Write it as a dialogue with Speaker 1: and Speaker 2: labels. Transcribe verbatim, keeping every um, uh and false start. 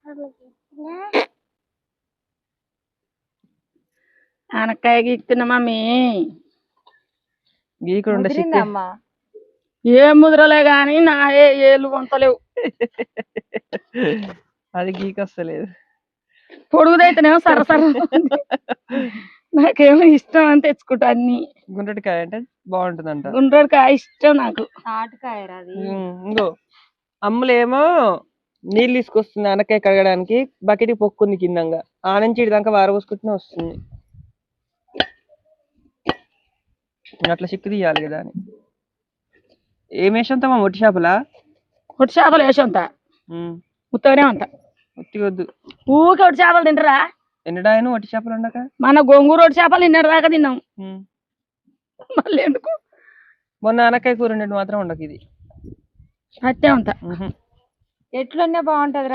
Speaker 1: ఆనకాయ గీక్తున్నా mummy.
Speaker 2: గీకుడుందమ్మా
Speaker 1: ఏం ముద్రలే గాని నా ఏ ఏళ్ళు వంతలేవు.
Speaker 2: అది గీకొస్తలేదు.
Speaker 1: పొడుగుదైతేనేమో సర సర నాకేమో ఇష్టం అని తెచ్చుకుంటా అన్ని.
Speaker 2: గుండ్రటికాయ అంటే బాగుంటుందంట.
Speaker 1: గుండ్రటికాయ ఇష్టం నాకు.
Speaker 3: తాటికాయ అది.
Speaker 2: ఇంకో అమ్ములేమో నీళ్ళు తీసుకొస్తుంది అనకాయ కడగడానికి. బకెట్ పొక్కుంది కిందంగా, ఆ నుంచి ఇడిదాకా వారబోసుకుంటూనే వస్తుంది. అట్లా చిక్కు తీయాలి కదా అని. ఏం వేసంతమా? ఒట్టి చేపలా?
Speaker 1: ఒట్టి చేపలు వేసంత ఉత్తగానే అంత
Speaker 2: ఉత్తిగొద్దు.
Speaker 1: ఊకే ఒట్టి చేపలు తింటారా?
Speaker 2: ఎన్నడాయను ఒట్టి చేపలు ఉండక.
Speaker 1: మన గోంగూర ఒట్టి చేపలు తిన్నర దాకా తిన్నాం. మళ్ళీ ఎందుకు?
Speaker 2: మొన్న అనకాయ కూర ఉండేది మాత్రం ఉండకు. ఇది
Speaker 1: అట్టే ఉంటా.
Speaker 3: ఎట్లున్నా బాగుంటది.